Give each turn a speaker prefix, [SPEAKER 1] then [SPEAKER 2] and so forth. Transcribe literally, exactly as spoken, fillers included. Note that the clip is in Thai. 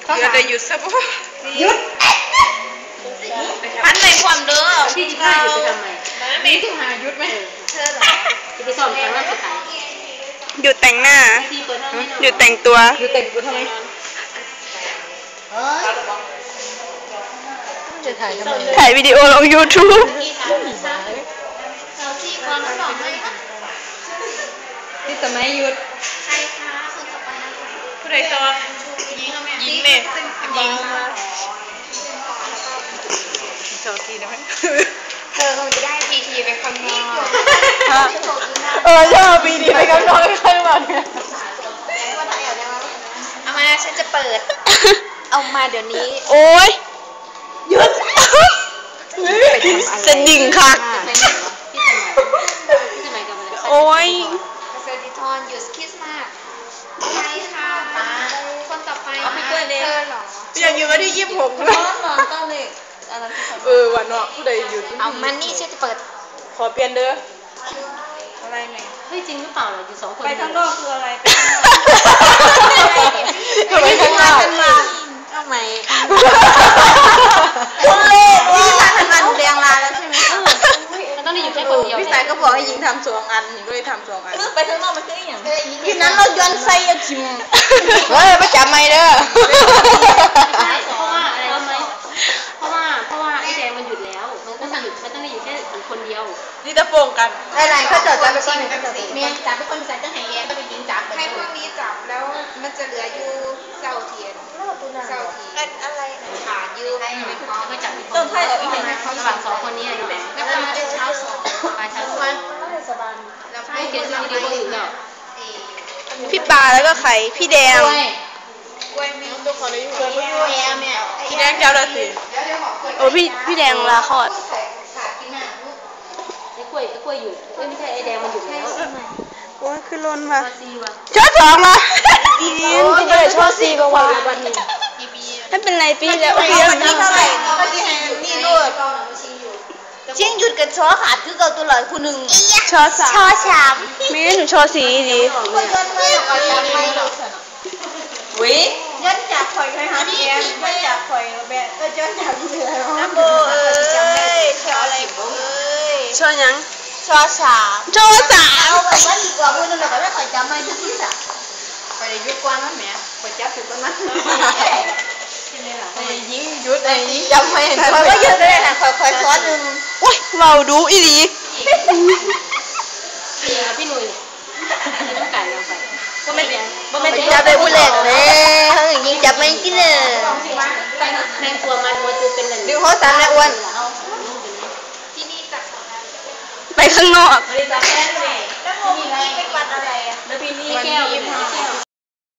[SPEAKER 1] เดี๋ยวจะหยุดซะปุ๊บ
[SPEAKER 2] หยุด
[SPEAKER 1] พันในความเด้อ
[SPEAKER 2] พี่จะฆ่าหยุดไปทำไมมีที่หาหยุดไหมเธอเหรอจะไปสอนแต่งหน้าจะตาย
[SPEAKER 3] หยุดแต่งหน้าหยุดแต่งตัว
[SPEAKER 2] หยุดแต่งตัวทำไมจะถ่ายทำไม
[SPEAKER 3] ถ่ายวิดีโอลง ยูทูบ
[SPEAKER 2] ที่สมัยหยุด
[SPEAKER 1] ใครคะคนต่อไปนะคะผู้ใดต่อยิงยิงเลยยิงมาโชว์ทีได้ไหมเธอคงจะได้พีทีไปข้างนอก
[SPEAKER 3] เออชอบพีทีไปข้างนอกข้างนอกเนี่ย
[SPEAKER 1] เอามาฉันจะเปิดเอามาเดี๋ยวนี้
[SPEAKER 3] โอ้ยหยุดจะดิ่งค่ะโอ้ย
[SPEAKER 1] เซอร์ดิทอนหยุดคริสต์มาสใช่ค่ะป้าคนต่อไปเอาไปเกิดเลยเธอหรอ
[SPEAKER 3] อยากอยู่วันที่ยี่สิบหกเลยเออวันเนาะผู้ใดหยุด
[SPEAKER 1] เอามันนี่ฉันจะเปิด
[SPEAKER 3] ขอเปลี่ยนเด้ออะไรไหน
[SPEAKER 2] เฮ้ยจริงหรือเปล่าอยู่สองคน
[SPEAKER 3] ไปข้างนอกคืออะไรไปข้างนอก
[SPEAKER 1] เอาไหมคนเล่พี่สายทำงานเรียงลาแล้วใช่ไหม
[SPEAKER 2] มันต้องได้อยู่แค่คนเดียว
[SPEAKER 3] พี่สายก็บอกให้ยิงทำสองอันหญิงก็เลยทำสองอัน
[SPEAKER 1] ไปข้างนอกมันคืออย่าง
[SPEAKER 3] ที่นั้นเราย้อนไส้ยาชิมเฮ้ยไม่จับไม่เด้อ
[SPEAKER 2] เพราะว่าอะไรรู้ไหมเพราะว่าเพราะว่าไอ้แดงมันหยุดแล้วมันก็หยุดมันต้องได้อยู่แค่คนเดียว
[SPEAKER 3] นี่จะโป่งกัน
[SPEAKER 1] อะไรเขาจอดจับไปก่อนหนึ่งเขาจอดเมียจับไปคนใส่ต้องให้แย่ก็ไปยิงจับให้พวกนี้จับแล้วมันจะเหลืออยู่เสาเทียนเสาเทียนอะไรขายืมให้
[SPEAKER 2] ก็จับต้นไผ่ระหว่างสองคนนี้เนาะ
[SPEAKER 1] แล้วก็มาเช้าสอง
[SPEAKER 2] มาเช้าสองแล้วให้เขียนชื่อวิดีโออยู่เนาะ
[SPEAKER 3] พี่ปาแล้วก็ไข่พี่แดง
[SPEAKER 1] กล้วยแมวตัวคนละอยู่กล้วยแมวเนี่ย
[SPEAKER 3] พี่แดงเจ้าละสิโอ้พี่พี่แดงลาคอด
[SPEAKER 2] ไอ้กล้วยไอ้กล้วยหยุดไม่ใช่ไอ้แดงมันหยุดแล้ว
[SPEAKER 3] โอ้ยคือล้นมาช้อสองมาอีนี้พี่จะช้อสี่กว่าวันนี้ถ้าเป็นไรปีแล้ว
[SPEAKER 1] ปีแล้วนี่เท่าไหร่นี่ลูกชิงหยุดกับช้อขาดคือเก่าตัวหลายคู่หนึ่ง
[SPEAKER 3] ช้อสาม
[SPEAKER 1] ช้อสาม
[SPEAKER 3] มีหนูช้อสี่ดีวิ
[SPEAKER 1] ย้อนจากข่อยไปหาพี่แอมย้อนจากข่อยแบะเออย้อนจากพี่เหลือน้ำโบเอ้ยช้ออะไรเอ้ย
[SPEAKER 3] ช้อยัง
[SPEAKER 1] ช้อสาม
[SPEAKER 3] ช้อสาม
[SPEAKER 1] เอาแบบว่าดีกว่าพูดนั่นแหละก็ไม่ข่อยจำไม่ได้ที่สักไปยุคกวนนั่นแหมข่อยจับถึงตรงนั้น
[SPEAKER 3] ไอ้ยิงหยุดไอ้ยิงจำไม่เห็น
[SPEAKER 1] ข่อยก็หยุดเลยนะข่อยข่อยซ้อนหนึ่ง
[SPEAKER 3] โอ้ยเราดูอีหลี
[SPEAKER 2] พี่หนุ่ยต้องการเราไป
[SPEAKER 1] ก็ไม่ก็ไม่จับไปบุเล่เลยเขาอย่างนี้จับไม่กินเลย
[SPEAKER 2] แม่กลัวมันมันจะเป็นอะไร
[SPEAKER 1] ดูเขาสั่นแล้วอ้วน
[SPEAKER 3] ไปข้างนอก
[SPEAKER 1] แล้วโมมีเป็นวันอะไรอ่ะ
[SPEAKER 2] แล้วปีนี้แก้ว